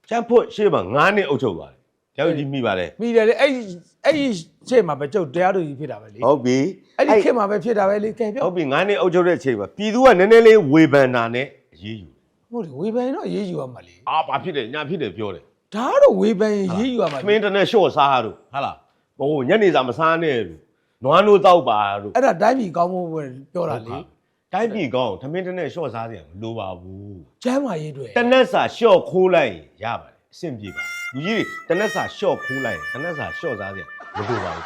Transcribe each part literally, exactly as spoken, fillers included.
ကျန်းဖို့ရှေ့မှာငါးနှစ်အုပ်ချုပ်သွားတယ်ကျောက်ကြီးမိပါလေမိတယ်လေအဲ့အဲ့ရှေ့မှာပဲကျုပ်တရားသူကြီးဖြစ်တာပဲလေဟုတ်ပြီအဲ့ဒီခေတ်မှာပဲဖြစ်တာပဲလေကဲပြောဟုတ်ပြီငါးနှစ်အုပ်ချုပ်တဲ့အချိန်မှာပြည်သူကနည်းနည်းလေးဝေဖန်တာနဲ့အေးယူဟုတ်တယ်ဝေဖန်တော့အေးယူရမှာလေအာဘာဖြစ်တယ်ညာဖြစ်တယ်ပြောတယ်ဒါတော့ဝေဖန်အေးယူရမှာမင်းတနဲ့ရှော့စားတို့ဟာလားဟိုညနေစာမစားနဲ့လို့နွားနိုးတောက်ပါတို့အဲ့ဒါတိုင်းပြည်ကောင်းဖို့ပဲပြောတာလေတိုင်းပြည်ကောင်းသမင်းတနဲ့ရှော့စားတယ်မလိုပါဘူးကျမ်းမာရေးတွေတနက်စာရှော့ခိုးလိုက်ရပါတယ်အဆင်ပြေပါလူကြီးတနက်စာရှော့ခိုးလိုက်တနက်စာရှော့စားတယ်မလိုပါဘူး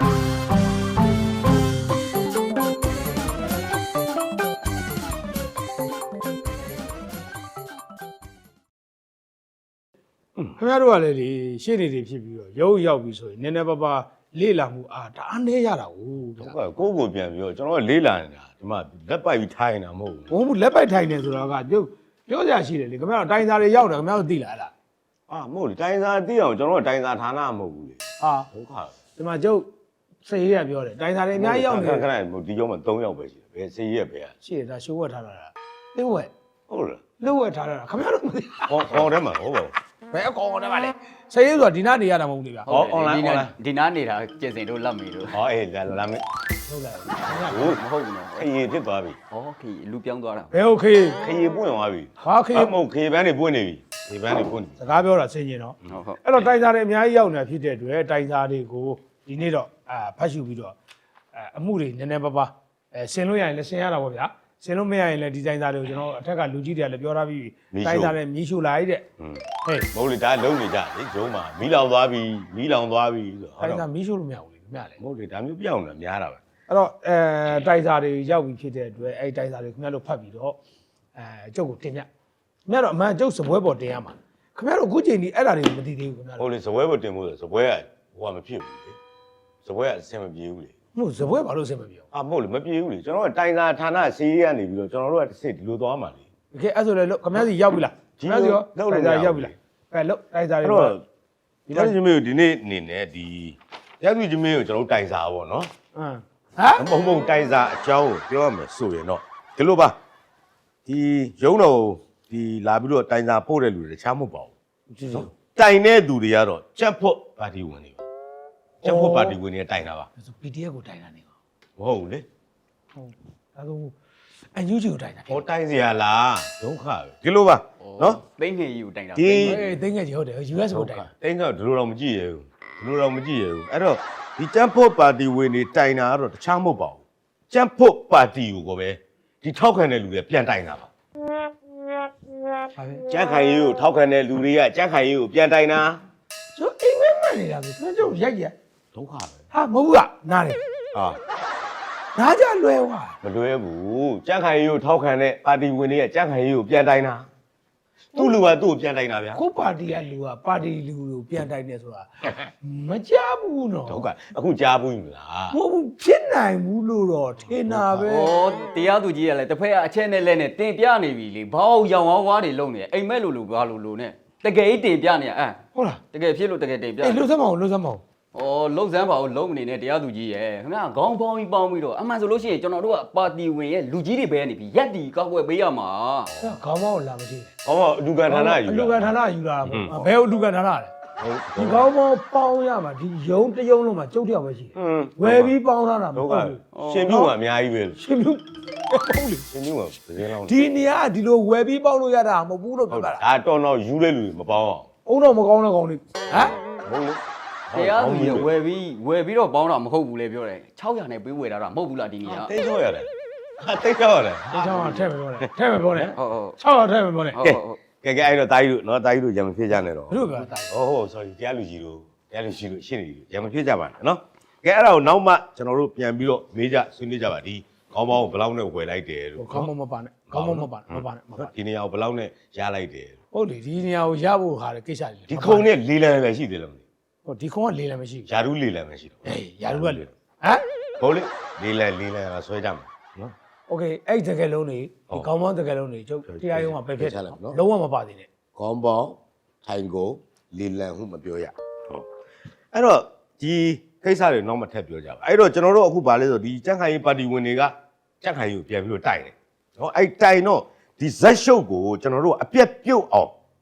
ခင်ဗျားတို့ကလည်းဒီရှေ့နေတွေဖြစ်ပြီးတော့ရုပ်ရောက်ပြီဆိုရင်နည်းနည်းပါးပါလေးလာမှုအာဒါအနေရတာဟုတ်ဟုတ်ကဲ့ကိုကိုပြန်ပြီးတော့ကျွန်တော်ကလေးလာနေတာဒီမှာလက်ပိုက်ပြီးထိုင်နေတာမဟုတ်ဘူးဘုံဘူးလက်ပိုက်ထိုင်နေဆိုတော့ကကျုပ်ပြောကြရှိတယ်လေခင်ဗျားတို့တိုင်းသားတွေရောက်တယ်ခင်ဗျားတို့သိလားအဲ့ဒါအာမဟုတ်လေတိုင်းစာသိအောင်ကျွန်တော်ကတိုင်းစာဌာနမဟုတ်ဘူးလေဟာဒုက္ခဒီမှာကျုပ်စေရရပြောတယ်တိုင်းသားတွေအများကြီးရောက်နေခဏခဏဒီကျောင်းမှာ၃ယောက်ပဲရှိတယ်ဘယ်စေးရက်ပဲอ่ะရှိတယ်ဒါရှိုးဝက်ထားတာလားသိဝက်ဟုတ်လားလှုပ်ဝက်ထားတာခင်ဗျားတို့မသိဟောဟောထဲမှာဟုတ်ပါဘူးဘယ်အကောင်ကောင်တည်းပါလဲစေရဆိုတာဒီနာနေရတာမဟုတ်လေဗျာဟော online online ဒီနားနေတာကျင်စင်တို့လက်မေတို့ဟောအေးလာလာမင်းဟုတ်လားဟုတ်မဟုတ်ဘူးနော်ခရီးဖြစ်သွားပြီဟောခီလူပြောင်းသွားတာဘယ်โอเคခရီးပွင့်သွားပြီဟာခေမဟုတ်ခရီးပန်းတွေပွင့်နေပြီခရီးပန်းတွေပွင့်နေစကားပြောတာဆင်ကျင်တော့ဟုတ်ဟုတ်အဲ့တော့တိုင်းသားတွေအများကြီးရောက်နေတာဖြစ်တဲ့အတွက်တိုင်းသားတွေကိုဒီနေ့တော့အာဖတ်ရှုပြီးတော့အဲအမှုတွေနည်းနည်းပါးပါးအဲဆင်လို့ရရင်လည်းဆင်ရတာပေါ့ဗျာဆင်လို့မရရင်လည်းဒီတိုင်းသားတွေကိုကျွန်တော်အထက်ကလူကြီးတွေကလည်းပြောထားပြီးတိုင်းသားတွေမြည်ရှူလိုက်တဲ့ဟွန်းဟေးမဟုတ်လေဒါလုံးနေကြလေဂျုံးမှာမီးလောင်သွားပြီမီးလောင်သွားပြီဆိုတိုင်းတော့သားမြည်ရှူလို့မရဘူးလေမြလေမဟုတ်လေဒါမျိုးပြောင်းနေတာများတာပဲအဲ့တော့အဲတိုင်းသားတွေရောက်ပြီးဖြစ်တဲ့အတွက်အဲ့တိုင်းသားတွေခင်ဗျားတို့ဖတ်ပြီးတော့အဲကျုပ်ကိုတင်ပြခင်ဗျားတို့အမှန်ကျုပ်စပွဲပေါ်တင်ရမှာခင်ဗျားတို့အခုချိန်ဒီအဲ့ဒါတွေကိုမသိသေးဘူးခင်ဗျားဟိုတို့လေစပွဲပေါ်တင်ဖို့ဆိုစပွဲကဟိုကမဖြစ်ဘူးလေစပွဲကအဆင်မပြေဘူးလေဟုတ်စပွဲဘာလို့ဆင်မပြေဘူးအာမဟုတ်လေမပြေဘူးလေကျွန်တော်ကတိုင်းစာဌာနစီးရီးကနေပြီးတော့ကျွန်တော်တို့ကတစ်စစ်ဒီလိုသွားမှာလေโอเคအဲ့ဆိုလည်းလို့ခင်ဗျားစီရောက်ပြီလားခင်ဗျားစီရောတိုင်းသားရောက်ပြီလားအဲလို့တိုင်းသားတွေအဲ့တော့ဒီတိုင်းချင်းမေကိုဒီနေ့အနေနဲ့ဒီရက်သူချင်းမေကိုကျွန်တော်တို့တိုင်စာပေါ့နော်ဟမ်ဟမ်မဟုတ်မဟုတ်တိုင်စာအကြောင်းကိုပြောရမယ်ဆိုရင်တော့ဒီလိုပါဒီရုံးတော်ဒီလာပြီးတော့တိုင်စာပို့တဲ့လူတွေတခြားမဟုတ်ပါဘူးတိုင်တဲ့သူတွေကတော့ကြက်ဖို့ပါတီဝင်တွေပါကြက်ဖို့ပါတီဝင်တွေတိုင်တာပါဆို ပီ ဒီ အက်ဖ် ကိုတိုင်းတာနေကောမဟုတ်ဘူးလေဟုတ်ဒါဆိုအန်ယူဂျီကိုတိုင်းတာဟောတိုင်စရာလားဒုက္ခပဲဒီလိုပါနော်သိငယ်ယူတိုင်တာဒီအေးသိငယ်ကြီးဟုတ်တယ် ယူအက်စ် ကိုတိုင်းတာတိန်ကဒီလိုတော့မကြည့်ရဘူးဒီလိုတော့မကြည့်ရဘူးအဲ့တော့ဒီကြက်ဖို့ပါတီဝင်တွေတိုင်တာကတော့တခြားမဟုတ်ပါဘူးကြက်ဖို့ပါတီကိုကိုပဲဒီထောက်ခံတဲ့လူတွေပြန်တိုင်တာပါဟာပဲကြက်ခိုင်ရေးကိုထောက်ခံတဲ့လူတွေကကြက်ခိုင်ရေးကိုပြန်တိုင်တာကျိုးအိမ်မက်မှန်နေတာဆိုကျွန်တော်ရိုက်ရဒုက္ခပဲဟာမဟုတ်ဘူးကနားတယ်ဟာနားကြလွယ်ွာမလွဲဘူးကြက်ခိုင်ရေးကိုထောက်ခံတဲ့ပါတီဝင်တွေကကြက်ခိုင်ရေးကိုပြန်တိုင်တာသူ့လူကသူ့ကိုပြန်တိုင်တာဗျာကိုပါတီကလူကပါတီလူကိုပြန်တိုင်းနေဆိုတာမကြားဘူးနော်ဒုက္ခအခုကြားဘူးမလားမဟုတ်ဘူးဖြစ်နိုင်ဘူးလို့တော့ထင်တာပဲဟောတရားသူကြီးကလည်းတစ်ဖက်ကအချက်နဲ့လက်နဲ့တင်ပြနေပြီလေဘောက်ရောင်ဝါးဝါးတွေလုံနေအိမ်မက်လိုလိုဘာလိုလိုနဲ့တကယ်ကြီးတင်ပြနေအဲဟုတ်လားတကယ်ဖြစ်လို့တကယ်တင်ပြအေးလှုပ်စမ်းမအောင်လှုပ်စမ်းမအောင်ဩလုံစမ်းပါဦးလုံမနေနဲ့တရားသူကြီးရဲ့ခင်ဗျာခေါင်းပေါင်းပြီးပေါင်းပြီးတော့အမှန်ဆိုလို့ရှိရင်ကျွန်တော်တို့ကပါတီဝင်ရဲ့လူကြီးတွေပဲနေပြီရက်တီကောက်ွယ်ပေးရမှာအဲ့ခေါင်းမောင်းလာမရှိဟောမအလူကန်ဌာနယူအလူတာကန်ဌာနယူလာတာပေါ့ဘယ်အလူကန်ဌာနလဲဟုတ်ဒီကောင်းမောင်းပေါင်းရမှာဒီယုံတစ်ယုံလုံးမှာကျုပ်တယောက်ပဲရှိတယ်ဟွန်းဝယ်ပြီးပေါင်းထားတာမဒုဟုတ်က္ခဘူးရှင်ပြုတ်ကအများကြီးပဲရှင်ပြုဟုတ်လေရှင်ပြုတ်ကသတင်းလောင်းဒီနေရာကဒီလိုဝယ်ပြီးပေါင်းလို့ရတာမဟုတ်ဘူးလို့ဟုပြောတ်တာဒါတော်တော်ယူတဲ့လူတွေမပေါင်းအောင်အုံတော့မကောင်းတဲ့ကောင်တွေဟမ်ဟုတ်လေတရားသူကြီးဝယ်ပြီးဝယ်ပြီးတော့ပေါင်းတာမဟုတ်ဘူးလေပြောတယ်၆ရာနဲ့ပေးဝယ်တာတော့မဟုတ်ဘူးလားဒီနေ့ကတိတ်တော့ရတယ်ဟာတိတ်တော့ရတယ်ဒီချောင်းကထည့်မပြောနဲ့ထည့်မပြောနဲ့ဟုတ်ဟုတ်ချောင်းကထည့်မပြောနဲ့ဟုတ်ဟုတ်ကဲကဲအဲ့တော့တာကြီးတို့နော်တာကြီးတို့ရံမဖြစ်ကြနဲ့တော့ဘယ်လိုပြောတာဟောဟော sorry တရားလူကြီးတို့တရားလူကြီးတို့ရှင်းနေပြီရံမဖြစ်ကြပါနဲ့နော်ကဲအဲ့ဒါကိုနောက်မှကျွန်တော်တို့ပြန်ပြီးတော့မေးကြဆွေးနွေးကြပါဒီခေါင်းပေါင်းကိုဘယ်လောက်နဲ့ဝယ်လိုက်တယ်လို့ခေါင်းမမပါနဲ့ခေါင်းမမပါနဲ့မပါနဲ့မပါဒီနေရာကိုဘယ်လောက်နဲ့ရလိုက်တယ်ဟုတ်လေဒီနေရာကိုရဖို့ဟာလေကိစ္စတွေဒီခုံနဲ့လေးလံပဲရှိသေးတယ်မသိဟိုဒီခုံကလေးလည်းမရှိဘူးယာရုလေးလံပဲရှိတော့အေးရာလူကလေဟမ်ဟုတ်လေလေးလံလေးလံကဆွဲကြမှာနော်โอเคအဲ့တကယ်လုံးတွေဒီခေါင်းပေါင်းတကယ်လုံးတွေကျုပ်တရားရုံးကပဲဖြစ်လုံးဝမပါသေးနဲ့ခေါင်းပေါင်းထိုင်ကိုလေးလံဟုမပြောရဟုတ်အဲ့တော့ဒီကိစ္စတွေနောက်မှထပ်ပြောကြပါအဲ့တော့ကျွန်တော်တို့အခုဗာလဲဆိုဒီကြက်ခိုင်ရေးပါတီဝင်တွေကကြက်ခိုင်ရေးကိုပြန်ပြီးတော့တိုက်တယ်နော်အဲ့တိုင်တော့ဒီဇက်ရှုပ်ကိုကျွန်တော်တို့အပြက်ပြုတ်အောင်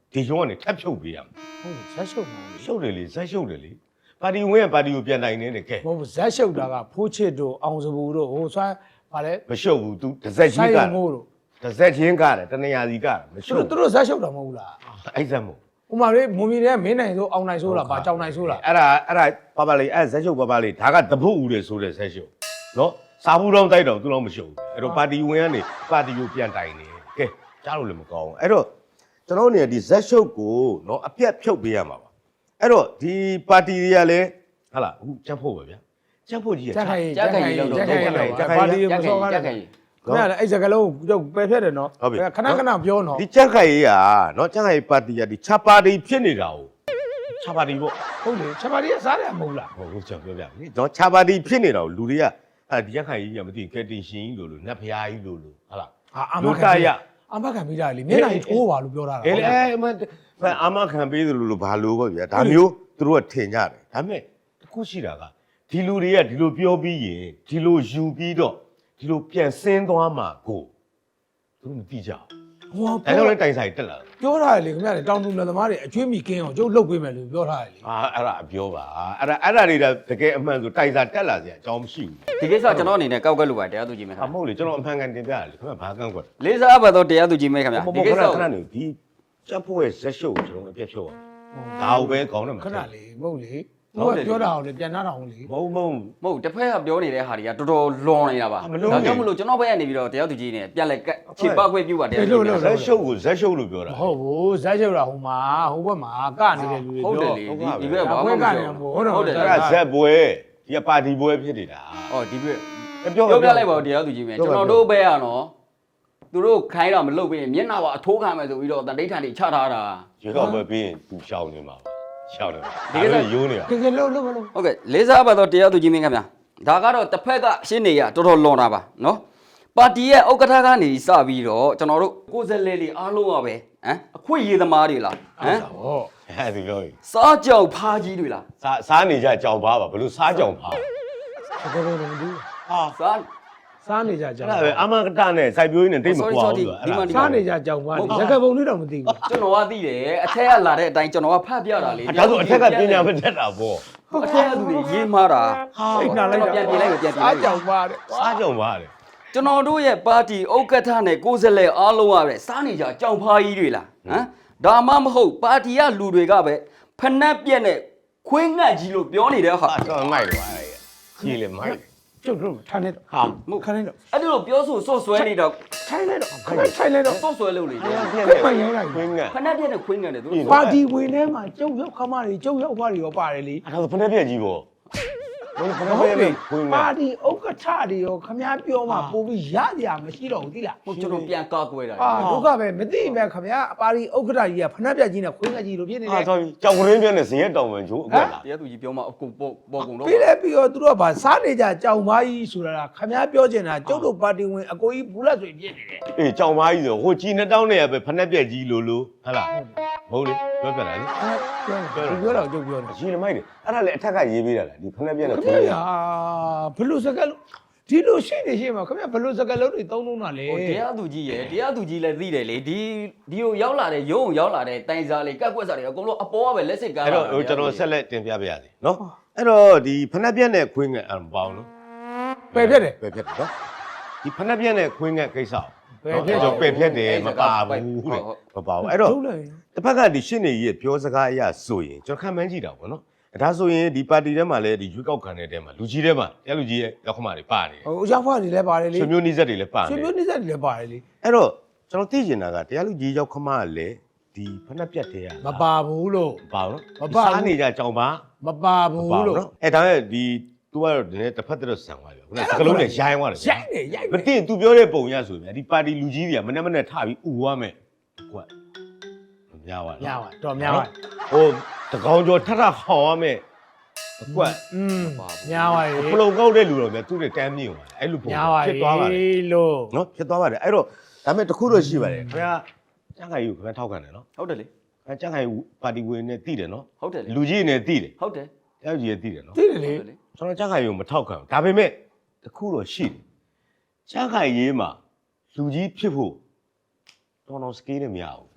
ဒီရုံးကနေထပ်ဖြုတ်ပေးရမယ်ဟုတ်ဇက်ရှုပ်မှာလေရှုပ်တယ်လေဇက်ရှုပ်တယ်လေပါတီဝင်ကပါတီကိုပြန်နိုင်နေတယ်ကဲမဟုတ်ဇက်ရှုပ်တာကဖိုးချစ်တို့အောင်စပူတို့ဟိုဆွမ်းဗာလဲမရှုပ်ဘူး तू တစ်စက်ကြီးကမို့တို့တစ်စက်ချင်းကတယ်တနေရာစီကတယ်မသူရှုပ်တို့သူတို့ဇက်ရှုပ်တာမဟုတ်လားအဲ့စက်မို့ဥမာလေးမွန်ပြည်တွေကမင်းနိုင်ဆိုအောင်နိုင်ဆိုလားဗာကြောင်နိုင်ဆိုလားအဲ့ဒါအဲ့ဒါပါပါလေးအဲ့ဇက်ရှုပ်ပါပါလေးဒါကတပုတ်ဦးတယ်ဆိုတဲ့ဇက်ရှုပ်နော်စာဘူးတော့တိုက်တော့သူတော့မရှုပ်ဘူးအဲ့တော့ပါတီဝင်ကနေပါတီကိုပြန်တိုင်နေကဲကြားလို့လည်းမကောင်းဘူးအဲ့တော့ကျွန်တော်နေဒီဇက်ရှုပ်ကိုနော်အပြတ်ဖြုတ်ပေးရမှာပါအဲ့တော့ဒီပါတီတွေကလည်းဟာလားအခုချက်ဖို့ပဲဗျာချက်ဖို့ကြီးရကြက်ခိုင်ကြက်ခိုင်ကြီးလောက်တော့ကြက်ခိုင်လောက်ကြက်ခိုင်ပါတီကြမက်ခိုစောင်ကားကြတယ်က်ခိုင်ခင်ဗျာလည်းအဲ့စကလုံးတော့ပယ်ဖြတ်တယ်နော်ဟုတ်ပြီခဏခဏပြောနော်ဒီချက်ခိုင်ကြီးကနော်ချက်ခိုင်ပါတီကဒီချပါတီဖြစ်နေတာ哦ချပါတီပေါ့ဟုတ်လေချက်ပါတီကစားတယ်မဟုတ်လားဟုတ်ဟုတ်ကျွန်တော်ပြောပြမယ်နော်ချပါတီဖြစ်နေတာကိုလူတွေကအဲ့ဒီချက်ခိုင်ကြီးကမသိကဲတင်ရှင်ကြီးလို့လို့နတ်ဖျားကြီးလို့လို့ဟာလားအာအမလူခံတရအမခံပြီးတာလေမျက်နှာကြီးထိုးပါလို့ပြောတာအဲ့လေအဲ့မအာမခံပေးသလိုလိုဘာလို့ပေါ့ဗျာဒါမျိုးသူတို့ကထင်ကြတယ်ဒါပေမဲ့တခုရှိတာကဒီလူတွေကဒီလိုပြောပြီးရင်ဒီလိုယူပြီးတော့ဒီလိုပြန်ဆင်းသွားမှာကိုသူတို့မသိကြဘူးဟောဒါကြောင့်လည်းတိုင်ဆိုင်တက်လာတယ်ပြောထားတယ်လေခင်ဗျာလေတောင်သူလက်သမားတွေအကျွေးမိကင်းအောင်ကျုပ်လုတ်ပေးမယ်လို့ပြောထားတယ်လေအာအဲ့ဒါအပြောပါအဲ့ဒါအဲ့ဒါတွေကတကယ်အမှန်ဆိုတိုင်စာတက်လာစရာအကြောင်းမရှိဘူးဒီကိစ္စကျွန်တော်အနေနဲ့ကောက်ကက်လို့ပါတရားသူကြီးမဲခအင်မဟုတ်လေကျွန်တော်အမှန်ကန်တင်ပြရတယ်ခင်ဗျဘာကန့်ကွက်လေးစားအပ်ပါတော့တရားသူကြီးမဲခင်ဗျာမဒီဟုတ်ကိခစ္စဏကိုခဏနေဒီချက်ဖို့ရဲ့ဇက်ရှုပ်ကိုကျွန်တော်အပြည့်ဖြုတ်အောင်ဒါကိုပဲကောင်းတယ်မခဏလေးမဟုတ်လေဟုဟိုတ်တယ်ကပြောတာအောင်လေပြန်နာတာအောင်လေမဟုတ်မဟုတ်မဟုတ်တစ်ဖက်ကပြောနေတဲ့ဟာတွေကတော်တော်လွန်နေတာပါမလွန်ဘူးဒါကြောင့်မလို့ကျွန်တော်ဘက်ကနေပြီးတော့တရားသူကြီးနဲ့ပြန်လည်ကတ်ခြေပခွင့်ပြုပါတရားသူကြီးနဲ့ဇက်ရှုပ်ကိုဇက်ရှုပ်လို့ပြောတာမဟုတ်ဘူးဇက်ချုပ်တာဟိုမှာဟိုဘက်မှာကနေတယ်လူတွေဟုတ်တယ်ပြောလေဒီဒီဘက်ဘာမှမပြောဟုတ်တယ်အဲ့ဒါဇက်ပွဲဒီကပါတီပွဲဖြစ်နေတာဟောဒီဘက်ပြောပြောပြလိုက်ပါဦးတရားသူကြီးမဲကျွန်တော်တို့ဘက်ကနော်သူတို့ခိုင်းတာမလုပ်ဘဲမျက်နှာပါအထိုးခံမယ်ဆိုပြီးတော့တန်တိဋ္ဌာန်တွေချထားတာရေကောက်ပွဲပြီးရင်သူရှောင်းနေမှာပါရှောင်းနေမှာဒီကိစ္စရိုးနေတာကဲကဲလို့လို့လို့ဟုတ်ကဲ့လေးစားပါတော့တရားသူကြီးမင်းခင်ဗျာဒါကတော့တစ်ဖက်ကရှင်းနေရတော်တော်လွန်တာပါနော်ပါတီရဲ့ဥက္ကဋ္ဌကနေစပြီးတော့ကျွန်တော်တို့ကိုယ်စားလှယ်တွေအားလုံးကပဲဟမ်အခွင့်အရေးသမားတွေလားဟမ်ဟောအဲ့ဒီလိုစားကြောက်ဖားကြီးတွေလားစားစားနေကြကြောင်ပါပါဘလို့စားကြောင်ပါဘယ်လိုလဲမသိဟာစားစားနေကြကြောအဲ့င်ဒါပဲအမကတနဲ့စိုက်ပျိုးရင်းနဲ့တိတ်မကွာဘူးအဲ့ဒါစားနေကြကြောင်ပါလေရကပုံလေးတော့မသိဘူးကျွန်တော်ကသိတယ်အထက်ကလာတဲ့အတိုင်းကျွန်တော်ကဖတ်ပြတာလေဒါဆိုအထက်ကပညာမတတ်တာပေါ့အထက်ကသူတွေရေးမှားတာစိတ်နာလိုက်တာပြန်ပြင်လိုက်ပြန်ပြင်စားလိုက်ကြောင်ပါတဲ့စားကြောင်ပါလေကျွန်တော်တို့ရဲ့ပါတီဥက္ကဋ္ဌနဲ့ကိုယ်စားလှယ်အားလုံးကပဲစားနေကြကြောင်ဖားကြီးတွေလားဟမ်ဒါမှမဟုတ်ပါတီကလူတွေကပဲဖနက်ပြက်နဲ့ခွေးငတ်ကြီးလို့ပြောနေတဲ့ဟာအဲ့တော့မိုက်တယ်ပါလေကြီးလေမိုက်ကျုပ်တို့ထားနေတော့ဟာမဟုတ်ခဏနေတော့အဲ့ဒီလိုပြောဆိုဆော့ဆွဲနေတော့ထိုင်နေတော့ခဏထိုင်နေတော့ဆော့ဆွဲလို့လေပြက်ခနဲ့ဏရိုင်းလိုက်ခွင်းငတ်ဖနက်ပြက်နဲ့ခွေးငတ်တယ်သူပါတီဝင်ထဲမှာကျုပ်ရောက်ခမတွေကျုပ်ရောက်ဖားတွေရောပါတယ်လေအဲ့ဒါဆိုဖက်ပြက်ကြီးပေါ့ဘယ်ဖက်ဟုတ်ပြက်လေနဲ့ခွင်းငတ်ပါတီဥက္ကဋ္ဌတွေရောခမားပြောမှပို့ပြီးရကြမရှိတော့ဘူးသိလားဟုတ်ကျွန်တော်ပြန်ကာကွယ်တာအာဒုက္ခပဲမသိပဲခမားအပါတီဥက္ကဋ္ဌကြီးကဖနှက်ပြက်ကြီးနဲ့ခွေးငက်ကြီးလိုဖြစ်နေဟာတယ်ဆိုပြီးကြောင်ကရင်းပြက်နဲ့ဇင်ရက်တောင်ပန်ကျိုးအကွက်လာတရားသူကြီးပြောမှအကုန်ပေါ်ပေါ်ကုန်တော့ပြီးလဲပြီးတော့သူတို့ကဗာစားနေကြကြောင်ပါကြီးဆိုတာခမားပြောချင်တာကျုပ်တို့ပါတီဝင်အကိုကြီးဘူးလက်ဆိုဖြစ်နေတယ်အေးကြောင်ပါကြီးဆိုဟိုကြီးနှစ်တောင်းနဲ့ပဲဖက်ပြက်ကြီးလိုလိုဟဟလားမဟုတ်လေပြောပြတာလေပြောတယ်သူပြောတော့ကျုပ်ပြောတယ်ကြီးလမိုက်တယ်အဲ့ဒါလေအထက်ကရေးပေးတာလားဒီဖက်ပြက်နဲ့ခခွမင်းရငတ်ဘလို့စကလုံးဒီလိုရှိနေရှိမှာခမရဘလို့စကလုံးတွေသုံးလုံးတာလေဟိုတရားသူကြီးရယ်တရားသူကြီးလည်းသိတယ်လေဒီဒီကိုရောက်လာတဲ့ရုံးရောက်လာတဲ့တိုင်စားလေးကက်ကွက်စားတွေအကုန်လုံးအပေါ်ကပဲလက်စစ်ကားအဲ့တော့ဟိုကျွန်တော်ဆက်လက်တင်ပြပါရစေနော်အဲ့တော့ဒီဖက်ပြက်နဲ့ခွင်းငတ်အဲ့မပေါ့နော်ပယ်ဖြတ်တယ်ပယ်ဖြတ်တယ်နော်ဒီဖက်ပြက်နဲ့ခွင်းငတ်ကိစ္စပယ်ဖြတ်ကျွန်တော်ပယ်ဖြတ်တယ်မပါဘူးတဲ့မပါဘူးအဲ့တော့ထုတ်လိုက်တစ်ဖက်ကဒီရှင်းနေကြီးရဲ့ပြောစကားအရဆိုရင်ကျွန်တော်ခံမှန်းကြည့်တာပေါ့နော်ဒါဆိုရင်ဒီပါတီထဲမှာလည်းဒီရွေးကောက်ခံတဲ့ထဲမှာလူကြီးထဲမှာတရားလူကြီးရဲ့ရောက်ခမတွေပါနေတယ်ဟိုရောက်ဖွားတွေလည်းပါတယ်လေဆွေမျိုးနှိစက်တွေလည်းပါနေဆွေတယ်မျိုးနှိစက်တွေလည်းပါတယ်လေအဲ့တော့ကျွန်တော်သိချင်တာကတရားလူကြီးရောက်ခမကလည်းဒီဖက်နှက်ပြတ်တဲ့ရမပါဘူးလို့ပါနော်မပါဘူးစားနေကြကြောင်ပါမပါဘူးလို့နော်အဲ့ဒါနဲ့ဒီ तू ကတော့ဒီနေ့တစ်ဖက်တည်းဆန်သွားပြီခုနကစကလုံးနဲ့ရိုင်းသွားတယ်ရိုက်နေရိုက်မသိ तू ပြောတဲ့ပုံရဆိုရင်ဒီပါတီလူကြီးတွေကမနေ့မနေ့ထပြီးဥသွားမယ်ကွက်များသွားများပါတော့များပါဟိုတကောင်ကျော်ထထဟောင်းရမယ်အကွက်อืมများပါရေပလုံကောက်တဲ့လူတော့မြတ်သူ့ရဲ့တမ်းမြင့်သွားတယ်အဲ့လိုပုံများပါဖြစ်သွားပါတယ်လို့နော်ဖြစ်သွားပါတယ်အဲ့တော့ဒါပေမဲ့တခုတော့ရှိပါတယ်ခင်ဗျာကျန်းခိုင်ယူခင်ဗျာထောက်ခံတယ်နော်ဟုတ်တယ်လေခင်ဗျာကျန်းခိုင်ပါတီဝင်နဲ့တည်တယ်နော်ဟုတ်တယ်လေလူကြီးနဲ့တည်တယ်ဟုတ်တယ်တယောက်ကြီးနဲ့တည်တယ်နော်သိတယ်လေဟုတ်တယ်လေကျွန်တော်ကျန်းခိုင်ယူမထောက်ခံဘူးဒါပေမဲ့တခုတော့ရှိတယ်ကျန်းခိုင်ရေးမှာလူကြီးဖြစ်ဖို့တော်တော်စကေးနဲ့မရဘူး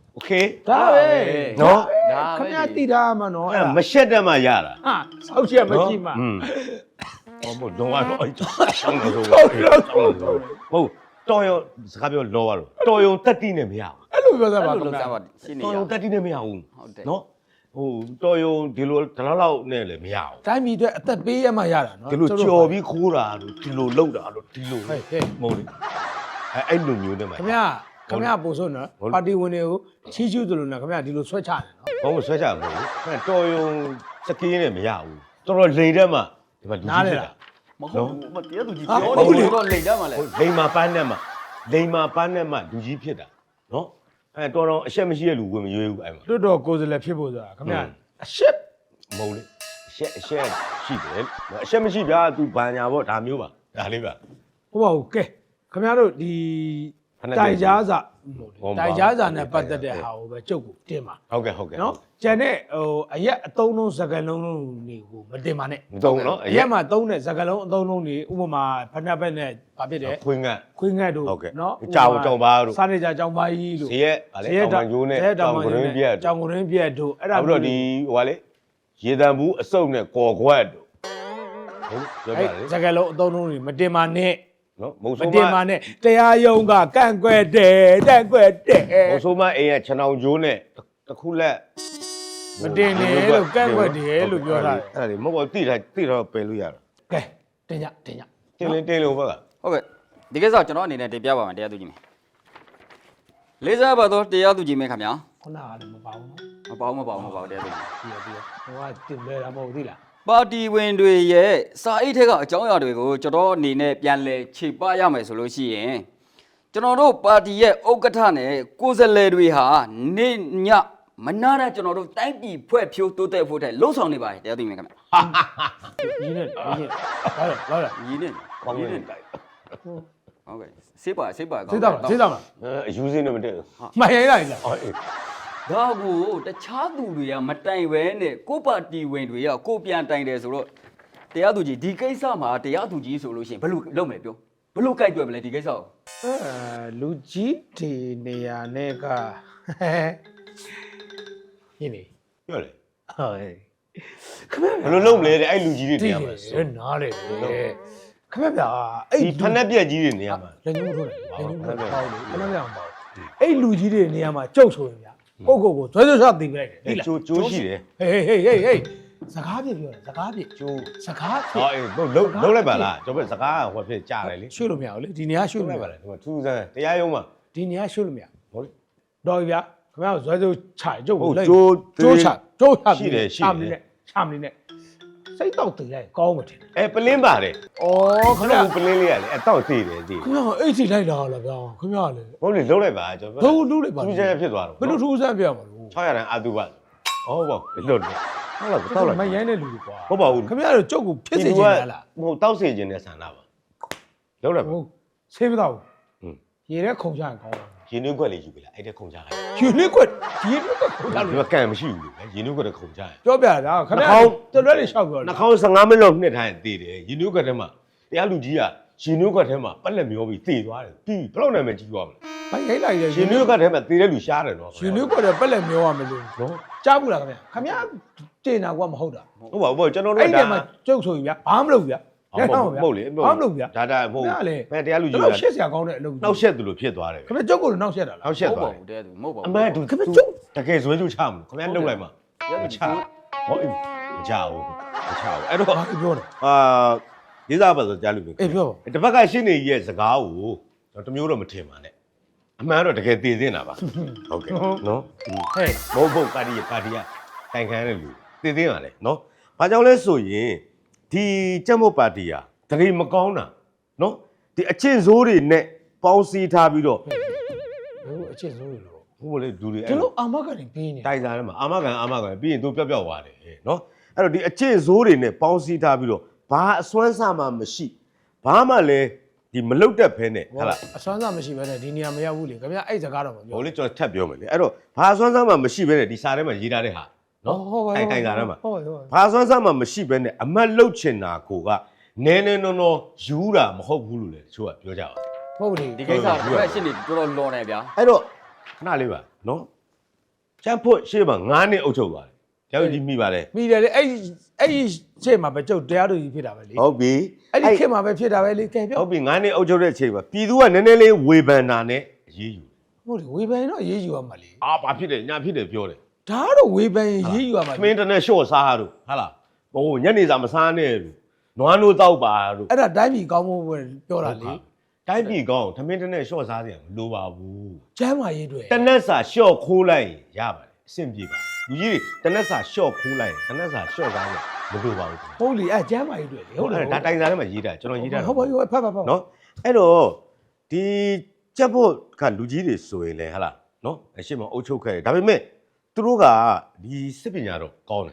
โอเคဒါပဲနော်ဒါပဲခင်ဗျာတည်ထားမှာနော်အဲ့ဒါမရှက်တတ်မှရတာဟာစောက်ချက်မရှိမှอืมဟောမို့တော့တော့အဲ့တောင်းလို့ဆိုဟုတ်တော်ရုံစကားပြောလောပါတော့တော်ရုံတက်တိနဲ့မရဘူးအဲ့လိုပြောသားပါအဲ့ခင်လိုဗျာစားပါရှင်းနေတော်ရရုံတက်တိနဲ့မရဘူးဟုတ်တယ်နော်ဟိုတော်ရုံဒီလိုဒီလောက်လောက်နဲ့လည်းမရဘူးတိုင်းပြည်အတွက်အသက်ပေးရမှရတာနော်ဒီလိုကြော်ပြီးခိုးတာလို့ဒီလိုလှုပ်တာလို့ဒီလိုဟဲ့ဟဲ့မဟုတ်လေအဲအဲ့လိုမျိုးနဲ့မှခင်ဗျာခင်ဗျာပို့ဆိုနော်ပါတီဝင်တွေကိုချီးကျူးသလိုနော်ခင်ဗျာဒီလိုဆွဲချတယ်နော်ဘာလို့ဆွဲချမလို့အဲတော်ရုံစကင်းနဲ့မရဘူးတော်တော်လိန်တဲ့မှာဒီမှာလူကြီးဖြစ်တာမဟုတ်ဘူးမတရားသူကြီးဟာပြောဟုတ်နေလေတော့လိန်ကြမှာလဲဟိုလိန်မာပန်းနဲ့မှာလိန်မာပန်းနဲ့မှာလူကြီးဖြစ်တာနော်အဲတော်တော်အရှက်မရှိတဲ့လူဝင်မရွေးဘူးအဲ့မှာတွတ်တော်ကိုယ်စားလှယ်ဖြစ်ဖို့ဆိုတာခင်ဗျာဟုတ်အရှက်မဟုတ်လေအရှက်အရှက်ရှိတယ်အရှက်မရှိဗျာ तू ဘာညာပေါ့ဒါမျိုးပါဒါလေးပါဟုတ်ပါဘူးကဲခင်ဗျားတို့ဒီဖက်နဲ့တိုင်ကြားစာဟုတ်ပါတိုင်ကြားစာနဲ့ဟုတ်ပါပတ်သက်တဲ့ဟာကိုပဲကြုတ်ကိုတင်ပါဟုတ်ကဲ့ဟုတ်ကဲ့နော်ကျန်တဲ့ဟိုအရက်အသုံးလုံးစကားလုံးလုံးတွေကိုမတင်ပါနဲ့မသုံးနော်အရက်မှာသုံးတဲ့စကားလုံးအသုံးလုံးတွေဥပမာဖက်နှက်ဘက်နဲ့ဘာဖြစ်တယ်ခွင်းကခွင်းငတ်တို့ဟုတ်ကဲ့နော်ကြောင်ကြောင်ပါတို့စားနေကြကြောင်ပါကြီးလို့ဇရက်ဗာလေတောင်ကျိုးနဲ့တောင်ကရင်းပြက်ကြောင်ကရင်းပြက်တို့အဲ့ဒါအခုတော့ဒီဟိုကလေရေတံဘူးအစုပ်နဲ့ကော်ခွက်တို့ဟုတ်ပြောပြအဲ့လေစကားလုံးအသုံးလုံးတွေမတင်ပါနဲ့နော်မုံမဆိုးမတင်ပါနဲ့တရားရုံးကကန့်ကွက်တယ်တန့်ကွက်တယ်မုံဆိုးမအိမ်ရဲ့ခြံအောင်ကျိုးနဲ့တစ်ခုလက်မတင်နဲ့လို့ကန့်ကွက်တယ်လို့ပြောတာအဲ့ဒါလေမဟုတ်ဘူးတိထားတိထားပယ်လို့ရတာကဲတင်ကြတင်ကြတင်းလင်းတင်းလုံးဘက်ကဟုတ်ကဲ့ဒီကိစ္စကျွန်တော်အနေနဲ့တင်ပြပါမယ်တရားသူကြီးမင်းလေးစားပါတော့တရားသူကြီးမင်းခင်ဗျာခုနကလည်းမပါဘူးနော်မပေါဘူးမပေါဘူးမပေါဘူးတရားသူကြီးပြီးရပြီးရဟိုကတင်လဲတာမဟုတ်ဘူးသိလားပါတီဝင်တွေရဲ့စာအိတ်ထဲကအကြောင်းအရာတွေကိုကျွန်တော်အနေနဲ့ပြန်လဲခြေပရမယ်ဆိုလို့ရှိရင်ကျွန်တော်တို့ပါတီရဲ့ဥက္ကဋ္ဌနဲ့ကိုယ်စားလှယ်တွေဟာနေညမနာတဲ့ကျွန်တော်တို့တိုင်းပြည်ဖွဲ့ဖြိုးတိုးတက်ဖို့တဲ့လှုံ့ဆော်နေပါတယ်တရားသူကြီးမင်းခင်ဗျာရင်းနဲ့ရင်းနဲ့လာလာလာလာညီနေကောင်းညီနေနေတိုက်ဟုတ်ကဲ့စေးပါစေးပါကောင်းသိတာမလားသိတာမလားအဲအယူစင်းနဲ့မတည့်ဘူးမှန်ရိုင်းလိုက်လားအော်အေးဒါကိုတခြားသူတွေကမတိုင်ပဲနဲ့ကိုယ့်ပါတီဝင်တွေကကိုယ်ပြန်တိုင်တယ်ဆိုတော့တရားသူကြီးဒီကိစ္စမှာတရားသူကြီးဆိုလို့ရှိရင်ဘယ်လိုလုပ်မလဲပြောဘယ်လိုကြိုက်တွေ့မလဲဒီကိစ္စကိုအဲလူကြီးဒီနေရာနဲ့ကရင်းနေပြောလေဟုတ်ဟဲ့ခမဘယ်လိုလုပ်မလဲတဲ့အဲ့လူကြီးတွေတနေည်ရာရမှာယ်နားလေခမဗျာအဲ့ဒီဖက်နဲ့ပြက်ကြီးတွေနေရာမှာလက်ညှိုးထိုးတယ်လက်ညှိုးထိုးပေါ့လေခမဗျာမပေါ့အဲ့လူကြီးတွေနေရာမှာကြုတ်ဆိုရင်ဗျာကိုကိုကိုဇွဲဇွဲချတင်လိုက်တယ်အဲဒီလားကျိုးကျိုးရှိတယ်ဟေးဟေးဟေးဟေးစကားပြပြောတယ်စကားပြကျိုးစကားပြအော်အေးလုံးလုံးလုံးလိုက်ပါလားကျွန်တော်စကားဟိုဖြစ်ကြားတယ်လေရွှေ့လို့မရဘူးလေဒီနေရာရွှေ့လုံးလို့လိုမက်ရပါလားဒီမှာထူးဆန်းတရားရုံးမှာဒီနေရာရွှေ့လို့မရဟုတ်လေတော်ပြီဗျာခင်ဗျားဇွဲဇွဲချကြုတ်ဟုတ်လိုက်ကျိုးကျိုးချကျိုးချရှိတယ်ရှိတယ်ချမနေနဲ့ချမနေနဲ့စိတ်တော့တည်လိုက်ကောင်းမထင်အဲပလင်းပါတယ်ဩခခင်ဏဗျာပလင်းလေးရလေအဲတောက်သေးတယ်သေးခင်ဗျားအိတ်စီလိုက်တာလားဗျာခင်ဗျားလေဟုတ်လေလုံးလိုက်ပါကျွန်တော်ဘယ်လိုလုပ်လိုက်ပါထူးဆန်းဖြစ်သွားတော့ဘယ်လိုထူးဆန်းပြရမှာလို့၆ရတန်အာတုဘဟုတ်ပါဘူးလွတ်တယ်ဟုတ်လားတောက်လိုက်မရိုင်းတဲ့လူတွေကွာဟုတ်ပါဘူးခင်ဗျားတို့ကြုတ်ကိုဖြစ်စေချင်တယ်လားဟိုတောက်စေခြင်းနဲ့ဆန္ဒပါလုံးလိုက်ပါဟုတ်ဆေးမတော့ဟွန်းရေထဲခုံချရင်ကောင်းတယ်ရင်းနှီးခွက်လေးယူပြီလားအဲ့ဒါခုံကြလိုက်ယူနစ်ကွက်ရေနစ်ကွက်ခုံချဒီလို့မှာကန်မရှိဘူးလေရင်းနှီးခွက်တခုံကြရပြောပြတာခင်ဗျားတော်တော်လေးရှောက်ပြောနှာခေါင်း၁၅မိနစ်လောက်နှစ်ထိုင်တည်တယ်ရင်းနှီးခွက်ထဲမှာတရားလူကြီးကရင်းနှီးခွက်ထဲမှာပက်လက်မျောပြီးတည်သွားတယ်ပြီးဘယ်လောက်နိုင်မှကြီးသွားမလဲမရိုင်းလိုက်ရရင်းနှီးခွက်ထဲမှာတည်တဲ့လူရှားတယ်နော်ယူနစ်ကွက်တော့ပက်လက်မျောရမလို့နော်ကြားဘူးလားခင်ဗျာခင်ဗျားတင်တာကွာမဟုတ်တာဟုတ်ပါဘူးကျွန်တော်တို့အဲ့ကဒီဒါမှာကျုပ်ဆိုရင်ဗျာဘာမှမလုပ်ဗျာဟုတ်ဟုတ်လေဘာမှမလုပ်ဗျာဒါဒါမဟုတ်ဒါလေဘယ်တရားလူကြီးတော့ကရှက်စရာကောင်းတဲ့အလုပ်နှောက်ရှက်သူလိုဖြစ်သွားတယ်ခင်ဗျာကျုပ်ကိုလည်းနှောက်ရှက်တာလားနှောက်ရှက်ဟုတ်သွားပါတယ်ဘူးတရားသူမဟုတ်ပါဘူးအမှန်တူခင်ဗျကျုပ်တကယ်ဇွဲကျူးချမလို့ခင်ဗျားလှုပ်လိုက်မှာတရားသူကြီးဟောအေးမချဘူးမချဘူးအဲ့တော့ဘာပြောလဲအာရေးစားပါဆိုကြားလို့ပြီအေးပြောပါတစ်ဖက်ကရှင်းနေရဲ့စကားကိုကျွန်တော်တမျိုးတော့မထင်ပါနဲ့အမှန်တော့တကယ်တည်တင်တာပါဟုတ်ကဲ့နော်ဟဲ့မဟုတ်ဘူးပါတီပါတီကတိုင်ခံရတဲ့လူတည်တင်ပါလေနော်ဘာကြောင့်လဲဆိုရင်ဒီကြက်မုတ်ပါတီဟာတရေမကောင်းတာနော်ဒီအချင်းစိုးတွေနဲ့ပေါင်းစည်းထားပြီးတော့ဘယ်အချက်ဆုံးလို့ဟုတ်လေလူတွေဒီအဲ့လိုအာမခံနေပေးနေတိုင်စားထဲမှာအာမခံအာမခံပြီးရင်သူပျောက်ပျောက်သွားတယ်နော်အဲ့တော့ဒီအချင်းစိုးတွေနဲ့ပေါင်းစည်းထားပြီးတော့ဘာအစွမ်းစားမှမရှိဘာမှလည်းဒီမလုတ်တက်ဖဲနဲ့ဟုတ်လားအစွမ်းစားမရှိဘဲနဲ့ဒီနေရာမရောက်ဘူးလေခင်ဗျာအဲ့စကားတော့မပြောဟိုလေကျွန်တော်ထပ်ပြောမယ်လေအဲ့တော့ဘာအစွမ်းစားမှမရှိဘဲနဲ့ဒီစာထဲမှာရေးထားတဲ့ဟာနော်တိုင်တိုင်စားထဲမှာဟုတ်ဟုတ်ဘာအစွမ်းစားမှမရှိဘဲနဲ့အမတ်လုတ်ချင်တာကိုကနဲနဲနော်နော်ယူတာမဟုတ်ဘူးလို့လေတချို့ကပြောကြပါဟုတ်လေဒီကိစ္စတစ်ဖက်ရှင်းနေတော်တော်လွန်နေဗျာအဲ့တော့ခဏလေးပါနော်ချမ်းဖို့ရှေ့မှာငါးနှစ်အုပ်ချုပ်သွားတယ်ကျောင်းကြီးမိပါလေမိတယ်လေအဲ့အဲ့ဒီချိန်မှာပဲကျုပ်တရားသူကြီးဖြစ်တာပဲလေဟုတ်ပြီအဲ့ဒီခေတ်မှာပဲဖြစ်တာပဲလေကဲပြောဟုတ်ပြီငါးနှစ်အုပ်ချုပ်တဲ့အချိန်မှာပြည်သူကနည်းနည်းလေးဝေဖန်တာနဲ့အရေးယူဟုတ်တယ်ဝေဖန်တော့ရေးယူရမှာလေအာဘာဖြစ်တယ်ညာဖြစ်တယ်ပြောတယ်ဒါကတော့ဝေဖန်ရေးယူရမှာသမင်းတနဲ့ရှော့စားတို့ဟာလားဟိုညနေစာမစားနဲ့လို့နွားနိုးတောက်ပါတို့အဲ့ဒါတိုင်းပြည်ကောင်းဖို့ပြောတာလေတိုင်းပြည်ကောင်းသမင်းတနဲ့ရှော့စားစရာမလိုပါဘူးကျမ်းမာရေးတွေတနက်စာရှော့ခိုးလိုက်ရင်ရပါတယ်အဆင်ပြေပါလူကြီးတွေတနက်စာရှော့ခိုးလိုက်ရင်တနက်စာရှော့စားရမလိုပါဘူးဟုတ်လေအဲ့ကျမ်းမာရေးတွေလေဟုတ်တယ်ဒါတိုင်စာထဲမှာရေးတာကျွန်တော်ရေးတာဟုတ်ပါဘူးဖတ်ဖတ်ဖတ်နော်အဲ့တော့ဒီကြက်ဖို့ကလူကြီးတွေဆိုရင်လေဟာလားနော်အရှိမအုပ်ချုပ်ခဲ့တယ်ဒါပေမဲ့သူတို့ကဒီစစ်ပညာတော့ကောင်းတယ်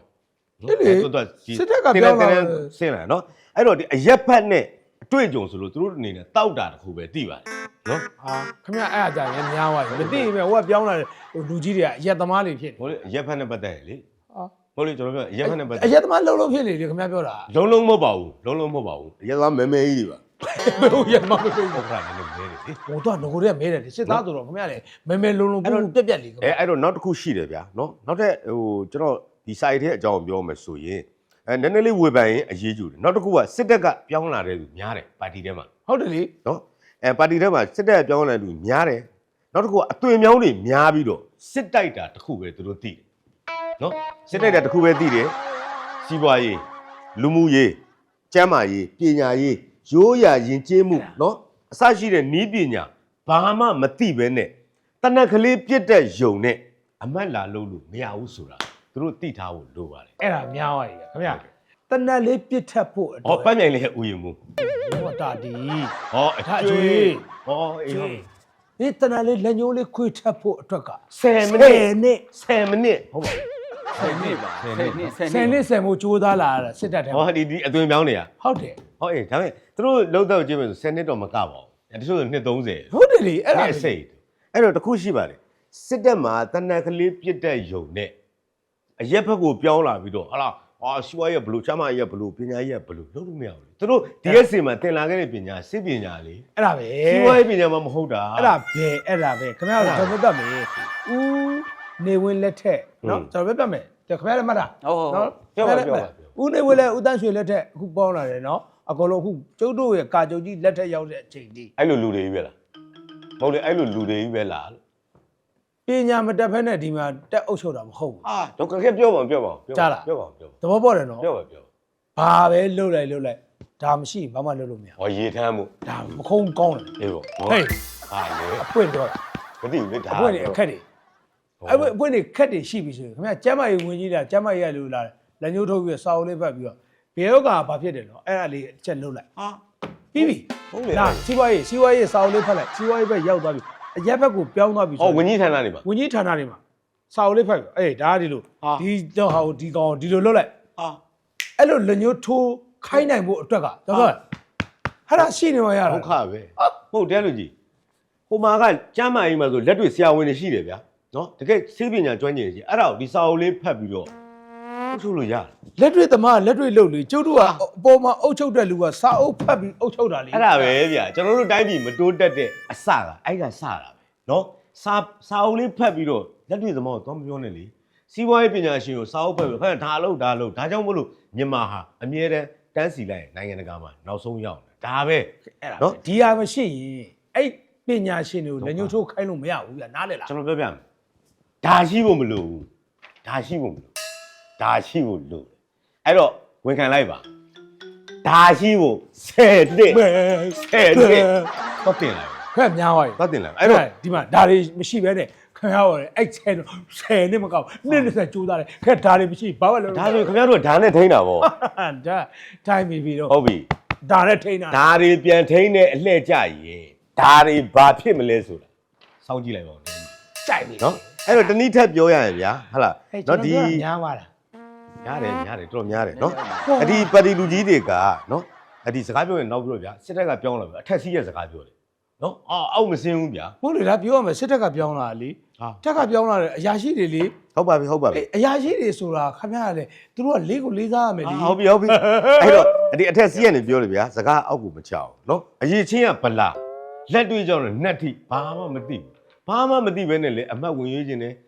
ဆင်းလာနော်အဲ့တော့ဒီအရက်ဖက်နဲ့အတွေ့အကြုံဆိုလို့သူတို့အနေနဲ့တောက်တာတခုပဲသိပါတယ်နော်ဟာခင်ဗျအဲ့အကြရင်များသွားပြီမသိရင်ပဲဟိုကပြောင်းလာတဲ့ဟိုလူကြီးတွေကအရက်သမားတွေဖြစ်နေဟိုလေအရက်ဖက်နဲ့ပတ်သက်ရလေဟာဟိုလေကျွန်တော်ပြောအရက်ဖက်နဲ့ပတ်သက်အရက်သမားလုံးလုံးဖြစ်နေတယ်ခင်ဗျပြောတာလုံးလုံးမဟုတ်ပါဘူးလုံးလုံးမဟုတ်ပါဘူးအရက်သားမဲမဲကြီးတွေပါဘယ်လိုရက်သမားမဖြစ်ဘူးဟုတ်ကဲ့လည်းမဲတယ်လေဟိုတော့ငကိုတွေကမဲတယ်စစ်သားဆိုတော့ခင်ဗျလေမဲမဲလုံးလုံးပူပြက်ပြက်လေးခင်ဗျအဲအဲ့တော့နောက်တစ်ခုရှိတယ်ဗျာနော်နောက်ထပ်ဟိုကျွန်တော်ဒီ site ထဲအကြောင်းပြောမယ်ဆိုရင်အဲနည်းနည်းလေးဝေဖန်ရင်အရေးကြီးတယ်နောက်တစ်ခုကစစ်တပ်ကပြောင်းလာတဲ့လူများတယ်ပါတီထဲမှာဟုတ်တယ်လေနော်အဲပါတီထဲမှာစစ်တပ်ပြောင်းလာတဲ့လူများတယ်နောက်တစ်ခုကအသွင်မြောင်းတွေများပြီးတော့စစ်တိုက်တာတစ်ခုပဲသူတို့သိတယ်နော်စစ်တိုက်တာတစ်ခုပဲသိတယ်စီးပွားရေးလူမှုရေးကျန်းမာရေးပညာရေးရိုးရာယဉ်ကျေးမှုနော်အစရှိတဲ့နီးပညာဘာမှမသိပဲနဲ့တနက်ကလေးပြစ်တဲ့ယုံနဲ့အမတ်လာလို့လို့မရဘူးဆိုတာသူတို့သိထားဖို့လိုပါတယ်အဲ့ဒါများသွားပြီခင်ဗျတနက်လေးပြစ်ထက်ဖို့ဟောပန်းမြိုင်လေးဥယျာဉ်မှုဟောတာဒီဟောအကျွေးဟောအေးဟုတ်ဒီတနက်လေးလက်ညိုးလေးခွေထက်ဖို့အတွက်ကဆယ်မိနစ်နဲ့ဆယ်မိနစ်ဟုတ်ပါဘူးဆယ်နှစ်ပါဆယ်နှစ်ဆယ်ဆယ်နှစ်နှစ်ဆယ်မို့ကြိုးစားလာတာစစ်တပ်ထဲဟောဒီဒီအသွင်ပြောင်းနေရဟုတ်တယ်ဟောအေးဒါပေမဲ့သူတို့လုံးတော့ကြည့်မယ်ဆိုဆယ်နှစ်တော့မကပါဘူးတချို့ဆိုနှစ်သုံးဆယ်ဟုတ်တယ်လေအဲ့ဒါအဲ့စိတ်အဲ့တော့တခုရှိပါတယ်စစ်တပ်မှာတနက်ကလေးပြစ်တဲ့ယုံနဲ့အရက်ဘက်ကိုပြောင်းလာပြီးတော့ဟာလားဟာရှူဝါရဲ့ဘလူးချမ်းမရဲ့ဘလူးပညာရဲ့ဘလူးလုံးလို့မရဘူးသူတို့ ဒီ အက်စ် စီမှာတင်လာခဲ့တဲ့ပညာစစ်ပညာလေအဲ့ဒါပဲရှူဝါရဲ့ပညာမှမဟုတ်တာအဲ့ဒါပဲအဲ့ဒါပဲခင်ဗျားတို့တော်တော်မယ်ဦးနေဝင်လက်ထက်နော်ကျွန်တော်ပြပြမယ်ခင်ဗျားလည်းမှတ်တာဟုတ်ဟုတ်နော်ပြောပါပြောပါဦးနေဝင်လက်ဦးတန်းရွှေလက်ထက်အခုပေါင်းလာတယ်နော်အကုန်လုံးအခုကျုပ်တို့ရဲ့ကာကြုံကြီးလက်ထက်ရောက်တဲ့အချိန်ဒီအဲ့လိုလူတွေကြီးပဲလားမဟုတ်လေအဲ့လိုလူတွေကြီးပဲလားပညာမတက်ဖက်နဲ့ဒီမှာတက်အုပ်ချုပ်တာမဟုတ်ဘူးအာတော့ခက်ပြောပါပြောပါပြောပါပြောပါပြောသဘောပေါက်တယ်နော်ပြောပါပြောဘာပဲလှုပ်လိုက်လှုပ်လိုက်ဒါမရှိဘာမှလှုပ်လို့မရဟောရေထမ်းမှုဒါမခုံးကောင်းတယ်အေးပေါ့ဟေးဟာလေအပွင့်တော့မသိဘူးလေဒါအပွင့်တွေအခက်တွေအပွင့်အပွင့်တွေခက်တွေရှိပြီဆိုရင်ခင်ဗျာကျမ်းမာရေးဝင်ကြီးတာကျမ်းမာရေးရလို့လာတယ်လက်ညှိုးထုတ်ပြီးစာအုပ်လေးဖတ်ပြီးတော့ဘေယောကဘာဖြစ်တယ်နော်အဲ့ဒါလေးအချက်လှုပ်လိုက်ဟာပြီးပြီဟုတ်လေဒါစီးပွားရေးစီးပွားရေးစာအုပ်လေးဖတ်လိုက်စီးပွားရေးဘက်ရောက်သွားပြီအရက်ဘက်ကိုပြောင်းသွားပြီဟောဝင်ကြီးဌာနတွေပါဝင်ကြီးဌာနတွေမှာစာအုပ်လေးဖတ်ပြီအေးဒါကဒီလိုဒီတော့ဟာဒီကောင်ဒီလိုလှုပ်လိုက်ဟာအဲ့လိုလက်ညှိုးထိုးခိုင်းနိုင်ဖို့အတွက်ကကျွန်တော်ဟာဒါရှိနေမှရတာဒုက္ခပဲဟုတ်တယ်လူကြီးဟိုမှာကကျမ်းမာရေးမှာဆိုလက်တွေ့ဆရာဝန်တွေရှိတယ်ဗျာနော်တကယ်စေပညာကျွမ်းကျင်ရှိအဲ့ဒါကိုဒီစာအုပ်လေးဖတ်ပြီးတော့ထုတ်ထုတ်လို့ရတယ်လက်တွေ့သမားလက်တွေ့လုပ်လေကျုပ်တို့ကအပေါ်မှာအုပ်ချုပ်တဲ့လူကစာအုပ်ဖတ်ပြီးအုပ်ချုပ်တာလေအဲ့ဒါပဲဗျာကျွန်တော်တို့တိုင်းပြည်မတိုးတက်တဲ့အစကအဲ့ကစတာပဲနော်စာစာအုပ်လေးဖတ်ပြီးတော့လက်တွေ့သမားကိုတော့မပြောနဲ့လေစီးပွားရေးပညာရှင်ကိုစာအုပ်ဖတ်ပြီးခင်ဗျာဒါလို့ဒါလို့ဒါကြောင့်မလို့မြန်မာဟာအမြဲတမ်းတန်းစီလိုက်နိုင်ငံတကာမှာနောက်ဆုံးရောက်နေတာဒါပဲအဲ့ဒါဒီဟာမရှိရင်အဲ့ပညာရှင်တွေကိုလက်ညှိုးထိုးခိုင်းလို့မရဘူးဗျာနားလေလားကျွန်တော်ပြောပြမယ်ဒါရှိဖို့မလိုဘူးဒါရှိဖို့မလိုဒါရှိဖို့လိုအဲ့တော့ဝန်ခံလိုက်ပါဒါရှိဖို့ဆယ်နှစ်ဆယ်နှစ်တော့တင်လိုက်ခက်များသွားပြီတော့တင်လိုက်အဲ့တော့ဒီမှာဒါတွေမရှိဘဲနဲ့ခင်ဗျားတို့အဲ့ဆယ်ဆယ်နှစ်မကောက်နှစ်နှစ်ဆက်ကြိုးစားတယ်ခက်ဒါတွေမရှိဘာမှလုပ်ဒါဆိုခင်ဗျားတို့ဓာတ်နဲ့ထိန်းတာဗောဒါတိုင်းပြီပြီတော့ဟုတ်ပြီဒါနဲ့ထိန်းတာဓာတ်တွေပြန်ထိန်းတဲ့အလှည့်ကြရင်ဓာတ်တွေဘာဖြစ်မလဲဆိုတာစောင့်ကြည့်လိုက်ပါဦးကြိုက်ပြီနော်အဲ့တော့တနည်းထပ်ပြောရရင်ဗျာဟုတ်လားနော်ဒီဒီများပါလားများတယ်များတယ်တော်တော်များတယ်နော်အဒီပါတီလူကြီးတွေကနော်အဒီစကားပြောရင်နောက်ပြီးတော့ဗျာစစ်တပ်ကပြောင်းလာပြီအထက်စီးရဲ့စကားပြောတယ်နော်အောက်အောက်မစင်းဘူးဗျာဟုတ်လေလားပြောရမယ်စစ်တပ်ကပြောင်းလာလေဟာတက်ကပြောင်းလာတယ်အရာရှိတွေလေဟုတ်ပါပြီဟုတ်ပါပြီအေးအရာရှိတွေဆိုတာခင်ဗျားလေသူတို့ကလေးကိုလေးစားရမယ်လေဟုတ်ပြီဟုတ်ပြီအဲ့တော့အဒီအထက်စီးရနေပြောတယ်ဗျာစကားအောက်ကိုမချအောင်နော်အရေးချင်းကဗလာလက်တွေ့ကြောင့်လည်းနှက်ထိဘာမှမသိဘူးဘာမှမသိဘဲနဲ့လေအမတ်ဝင်ရွေးခြင်းနဲ့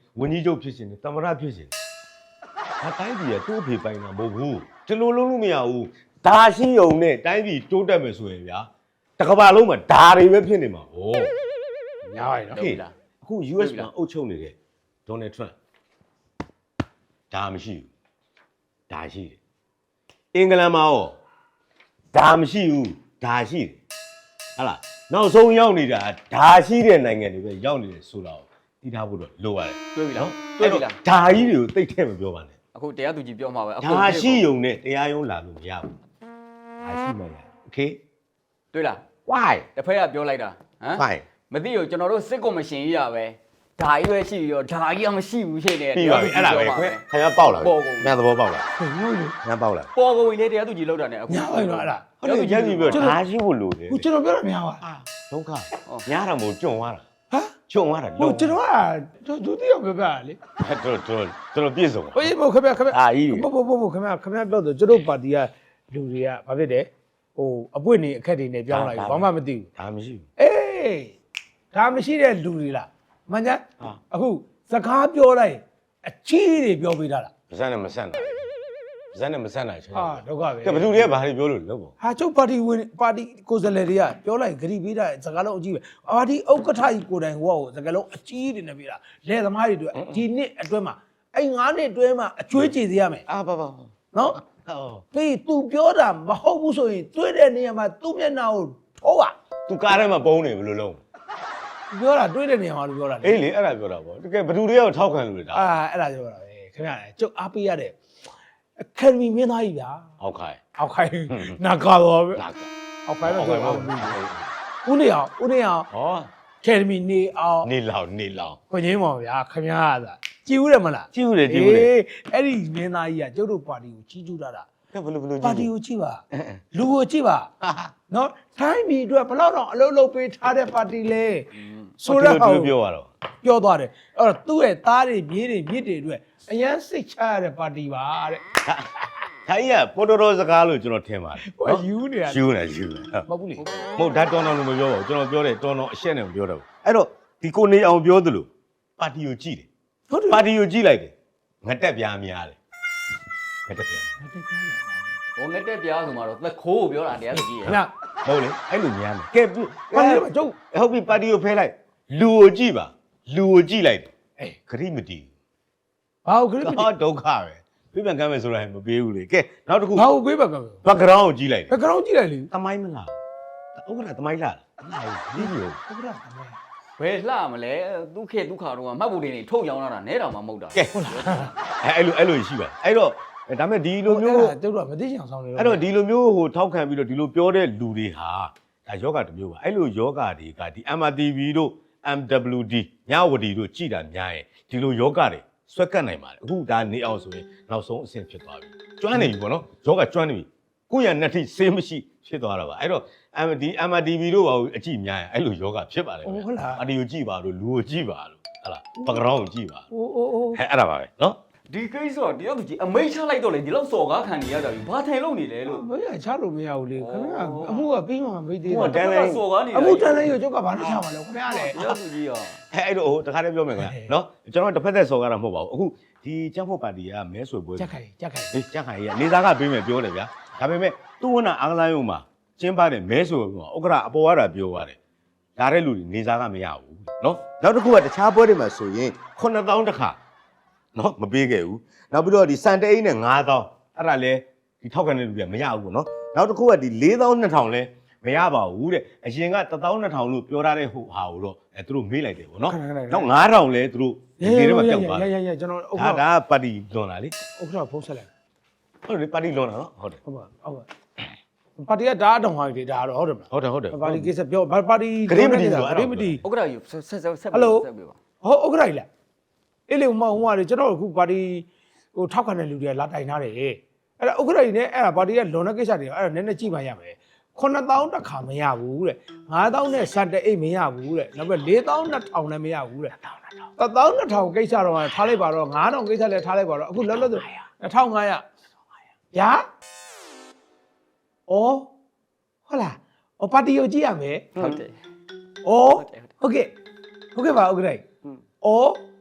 ဝင်းကြီးချုပ်ဖြစ်ရှင်တယ်တမရဖြစ်ရှင်တယ်ဒါတိုင်းပြည်ကသူ့အဖေပိုင်တာမဟုတ်ဘူးဒီလိုလုံးလို့မရဘူးဒါရှိုံနဲ့တိုင်းပြည်တိုးတက်မယ်ဆိုရင်ဗျာတကဘာလုံးမှာဒါတွေပဲဖြစ်နေမှာဟောညားပါနော်ဟေးအခု U S မှာအုပ်ချုပ်နေတဲ့ Donald Trump ဒါမရှိဘူးဒါရှိတယ်အင်္ဂလန်မှာရောဒါမရှိဘူးဒါရှိတယ်ဟာလားနောက်ဆုံးရောက်နေတာဒါရှိတဲ့နိုင်ငံတွေပဲရောက်နေတယ်ဆိုတာကိုသိထားဖို့တော့လိုပါတယ်တွေးပြီလားတွေးပြီလားဒါကြီးတွေကိုသိတဲ့မပြောပါနဲ့အခုတရားသူကြီးပြောမှာပဲအခုဒါရှိုံနဲ့တရားရုံးလာလို့မရဘူးဒါရှိမှလည်း Okay တွေးလား why တစ်ဖက်ကပြောလိုက်တာဟမ် fine မသိဘူးကျွန်တော်တို့စစ်ကော်မရှင်ကြီးရပဲဒါကြီးပဲရှိပြီးတော့ဒါကြီးကမရှိဘူးရှိနေတယ်ပြီးပါပြီအဲ့ဒါပဲခွဲခင်ဗျားပေါက်လာပြီညသဘောပေါက်လာဟုတ်ပြီညပေါက်လာပေါ်ကုန်လေတရားသူကြီးလောက်တာ ਨੇ အခုညားပါနော်အဲ့ဒါဟုတ်တယ်ရက်ပြီပြောဒါရှိဖို့လိုတယ်ဟိုကျွန်တော်ပြောတာများပါဒုက္ခညားတာမို့ကျွံသွားတာဟမ်ကျွံသွားတာဟိုကျွန်တော်ကဒုတိယပြောပြလေတော်တော်တော်ပြည့်စုံပါဟိုဘို့ခင်ဗျခင်ဗျအာကြီးဘို့ဘို့ဘို့ခင်ဗျခင်ဗျပြောတော့ကျွန်တော်ပါတီကလူတွေကဘာဖြစ်တယ်ဟိုအပွင့်နေအခက်တွေနဲ့ပြောင်းလိုက်ဘာမှမသိဘူးဒါမရှိဘူးအေးဒါမရှိတဲ့လူတွေလားမှန်ကြအခုစကားပြောလိုက်အချီးတွေပြောပေးတာလားပါဇက်နဲ့မဆက်နိုင်ပါဇက်နဲ့မဆက်နိုင်ချင်ဟာဒုက္ခပဲကဲဘယ်သူတွေကဘာတွေပြောလို့လဲပေါ့ဟာကျုပ်ပါတီဝင်ပါတီကိုယ်စားလှယ်တွေကပြောလိုက်ဂရီပေးတာစကားလုံးအကြီးပဲပါတီဥက္ကဋ္ဌကြီးကိုယ်တိုင်ဟိုကစကားလုံးအကြီးတွေနဲ့ပြတာလဲသမားတွေတို့ဒီနှစ်အတွင်းမှာအဲ့ငါးနှစ်အတွင်းမှာအကျွေးကြေစေရမယ်အာပါပါနော်ဟောပြီး तू ပြောတာမဟုတ်ဘူးဆိုရင်တွေ့တဲ့နေရာမှာသူ့မျက်နှာကိုထိုးပါသူကားထဲမှာပုံနေဘယ်လိုလုံးပြောတာတွေ့တဲ့နေရာမှာလို့ပြောတာလေအေးလေအဲ့ဒါပြောတာပေါ့တကယ်ဘယ်သူတွေကထောက်ခံလို့လဲဒါအာအဲ့ဒါပြောတာပဲခင်ဗျာကျုပ်အားပေးရတဲ့အကယ်ဒမီမင်းသားကြီးဗျာဟုတ်ခိုင်းအောက်ခိုင်းနာကာတော့ပဲလာကအောက်ခိုင်းတော့ဟုတ်ဆိုကဲ့အောဟုတ်က်ကဲ့ဦးနေအောင်ဦးနေအောင်ဟောအကယ်ဒမီနေအောင်နေလောင်နေလောင်ခွင့်ချင်းပါဗျာခင်ဗျားသာကြည်ဦးတယ်မလားကြည့်ဦးတယ်ကြည့်ဦးတယ်အေးအဲ့ဒီမင်းသားကြီးကကျုပ်တို့ပါတီကိုကြီးကျူးတာတာကဲဘယ်လိုဘယ်လိုကြပါည့်တီကိုကြည့်ပါလူကိုကြည့်ပါနော်တိုင်းပြည်အတွက်ဘယ်တော့တော့အလုံးလုံးပေးထားတဲ့ပါတီလေဆိုဆိုတော့တော့ဟောသူပြောရတော့ပြောသွားတယ်အဲ့တော့သူ့ရဲ့သားတွေမြေးတွေမြစ်တွေအတွက်အရန်စိတ်ချရတဲ့ပါတီပါတဲ့ဒါကြီးကပေါ်တော်တော်စကားလို့ကျွန်တော်ထင်ပါတယ်ဟိုယူနေရယူနေယူနေမဟုတ်ဘူးလေမဟုတ်ဒါတော်တော်လို့မပြောပါဘူးကျွန်တော်ပြောတယ်တော်တော်အရှက်နဲ့မပြောတော့ဘူးအဲ့တော့ဒီကိုနေအောင်ပြောသလိုပါတီကိုကြည့်တယ်ဟုတ်တယ်ပါတီကိုကြည့်လိုက်တယ်ငတက်ပြားများတယ်ငတက်ပြားဟိုငက်တက်ပြားဆိုမှတော့သက်ခိုးကိုပြောတာတရားသူကြီးရခင်ဗျာဟုတ်လေအဲ့လိုများတယ်ကဲပါတီမှာကျုပ်ဟုတ်ပြီပါတီကိုဖဲလိုက်လူကိုကြည့်ပါလူကိုကြည့်လိုက်တယ်အေးခရီးမတီးဘာကိုခရစ်ဟောဒုက္ခပဲပြပြန်ကမ်းမယ်ဆိုတာမပေးဘူးလေကဲနောက်တစ်ခုဘာကိုပေးပါက background ကိုကြည့်လိုက်တယ်ဘက်ဂရောင်းကြည့်လိုက်လေသမိုင်းမလားဥက္ကဋ္ဌသမိုင်းလားလားဒီလိုဟုတ်ကဲ့ဘယ်လှမလဲသူခေသူခါတော့မှတ်ဖို့တွေနေထုတ်ရောင်းလာတာနဲတော်မှမဟုတ်တာကဲဟုတ်လားအဲအဲ့လိုအဲ့လိုရှိပါအဲ့တော့ဒါမဲ့ဒီလိုမျိုးကျုပ်တို့ကမသိချင်အောင်ဆောင်နေတော့အဲ့တော့ဒီလိုမျိုးဟိုထောက်ခံပြီးတော့ဒီလိုပြောတဲ့လူတွေဟာဒါယောဂတစ်မျိုးပါအဲ့လိုယောဂတွေကဒီ M R T V တို့ M W D ညဝတီတို့ကြည်တာများရင်ဒီလိုယောဂတွေဆွဲကတ်နိုင်ပါတယ်အခုဒါနေအောင်ဆိုရင်နောက်ဆုံးအဆင့်ဖြစ်သွားပြီကျွမ်းနေပြီပေါ့နော်ယောဂကျွမ်းနေပြီကိုယ့်ရနှစ်ထိဆေးမရှိဖြစ်သွားတာပါအဲ့တော့ M D M R T V တို့ပါအကြည့်များရင်အဲ့လိုယောဂဖြစ်ပါတယ်ဗျာဟုတ်လားအဒီကိုကြည့်ပါလို့လူကိုကြည့်ပါလို့ဟလာ background ကိုကြည့်ပါအိုးအိုးအိုးဟဲ့အဲ့ဒါပါပဲနော်ဒီကိစ္စတော့တရားသူကြီးအမိတ်ချလိုက်တော့လေဒီလောက်စော်ကားခံနေရတာပြီဘာထိုင်လို့နေလဲလို့မရချလို့မရဘူးလေခင်ဗျာအမှုကပြီးမှမပြီးသေးဟိုဘူးတန်းလဲစော်ကားနေတာအမှုတန်းလိုက်ရကျုပ်ကဘာလို့ချမှာလဲခင်ဗျာလေတရားသူကြီးရောအဲအဲ့တော့ဟိုတခါတည်းပြောမယ်ခင်ဗျာနော်ကျွန်တော်တစ်ဖက်သက်စော်ကားတာမဟုတ်ပါဘူးအခုဒီကျန်းဖို့ပါတီကမဲဆွေပွဲကြက်ခိုင်ကြက်ခိုင်အေးကျန်းခိုင်ကြီးကနေသားကပေးမယ်ပြောတယ်ဗျာဒါပေမဲ့သူ့ဝနာအားကစားရုံမှာကျင်းပတဲ့မဲဆွေပွဲမှာဥက္ကရာအပေါ်ရတာပြောရတယ်ဒါတဲ့လူတွေနေသားကမရဘူးနော်နောက်တစ်ခုကတခြားပွဲတွေမှာဆိုရင်ခုနှစ်သောင်းတစ်ခါနော်မပေးခဲ့ဘူးနောက်ပြီးတော့ဒီစံတအိတ်နဲ့ငါးသောင်းအဲ့ဒါလဲဒီထောက်ခံတဲ့လူတွေကမရဘူးပေါ့နော်နောက်တစ်ခုကဒီလေးသောင်းနှစ်ထောင်လဲမရပါဘူးတဲ့အရင်ကတစ်သောင်းနှစ်ထောင်လို့ပြောထားတဲ့ဟိုဟာကိုတော့အဲသူတို့မေးလိုက်တယ်ပေါ့နော်နောက်ငါးထောင်လဲသူတို့ဒီနေ့မှပြောက်သွားရတယ်ရရကျွန်တော်ဥက္ကဋ္ဌဒါဒါပါတီလွန်တာလေဥက္ကဋ္ဌဖုန်းဆက်လိုက်ဟုတ်တယ်ပါတီလွန်တာနော်ဟုတ်တယ်ဟုတ်ပါဟုတ်ပါပါတီကဒါအတောင်ဟိုင်းတွေဒါတော့ဟုတ်တယ်မလားဟုတ်တယ်ဟုတ်တယ်ပါတီကိစ္စပြောပါတီဂရိမတီဥက္ကဋ္ဌကြီးဆက်ဆက်ဆက်ဆက်ဆက်ပြပါဟုတ်ဥက္ကဋ္ဌကြီးလားအေးလေဟိုမှာဟိုမှာလေကျွန်တော်အခုပါတီဟိုထောက်ခံတဲ့လူတွေကလာတိုင်ထားတယ်အဲ့ဒါဥက္ကဋ္ဌကြီးနဲ့အဲ့ဒါပါတီကလွန်တဲ့ကိစ္စတွေအဲ့ဒါနည်းနည်းကြည့်ပါရမယ်ခုနှစ်သောင်းတစ်ခါမရဘူးတဲ့ငါးသောင်းနဲ့စက်တဲ့အိတ်မရဘူးတဲ့နောက်ပြီးလေးသောင်းနှစ်ထောင်လည်းမရဘူးတဲ့တစ်သောင်းနှစ်ထောင်ကိစ္စတော့ထားလိုက်ပါတော့ငါးထောင်ကိစ္စလည်းထားလိုက်ပါတော့အခုလောလောဆယ်နှစ်ထောင်ငါးရာဗျာဩဟုတ်လားဩပါတီကိုကြည့်ရမယ်ဟုတ်တယ်ဩဟုတ်ကဲ့ဟုတ်ကဲ့ပါဥက္ကဋ္ဌကြီးဩ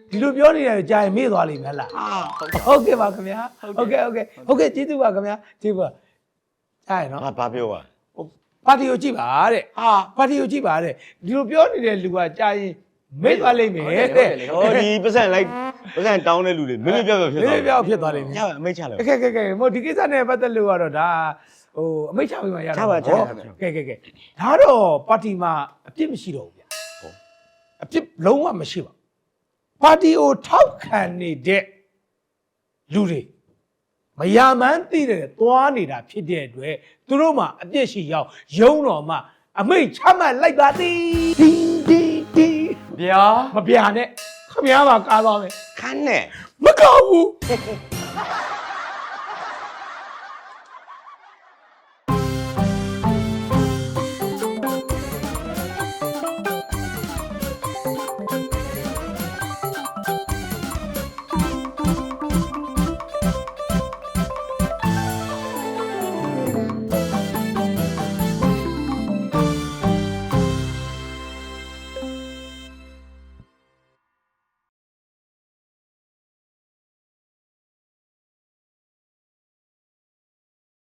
ဒီလိုပြောနေတယ်ကြာရင်မေ့သွားလိမ့်မယ်လားဟုတ်ကဲ့ပါခင်ဗျာဟုတ်ကဲ့ဟုတ်ကဲ့ဟုတ်ကဲ့ကျေးဇူးပါခင်ဗျာကျေးဇူးပါကြာရင်နော်ငါဘာပြောอ่ะပါတီကိုကြည့်ပါတဲ့ဟာပါတီကိုကြည့်ပါတဲ့ဒီလိုပြောနေတဲ့လူကကြာရင်မေ့သွားလိမ့်မယ်တဲ့ဟောဒီပတ်စံလိုက်ပတ်စံတောင်းတဲ့လူတွေမင်းပြောပြောဖြစ်မေ့သွားပြောက်ဖြစ်သွားလိမ့်မယ်ရပါအမိတ်ချလိုက်ကဲကဲကဲမို့ဒီကိစ္စနဲ့ပတ်သက်လို့ကတော့ဒါဟိုအမိတ်ချပေးမှရတော့ကဲကဲကဲဒါတော့ပါတီမှာအပြစ်မရှိတော့ဘူးဗျာအပြစ်လုံးဝမရှိပါပါတီကိုထောက်ခံနေတဲ့လူတွေမယာမန်းသိတယ်သွားနေတာဖြစ်တဲ့အတွက်သူတို့မှအပြစ်ရှိရောက်ရုံးတော်မှာအမိတ်ချမှတ်လိုက်ပါသည်ဒီဒီဒီဗျာမပြာနဲ့ခမည်းပါကားသွားမယ်ခန်းနဲ့မကောက်ဘူး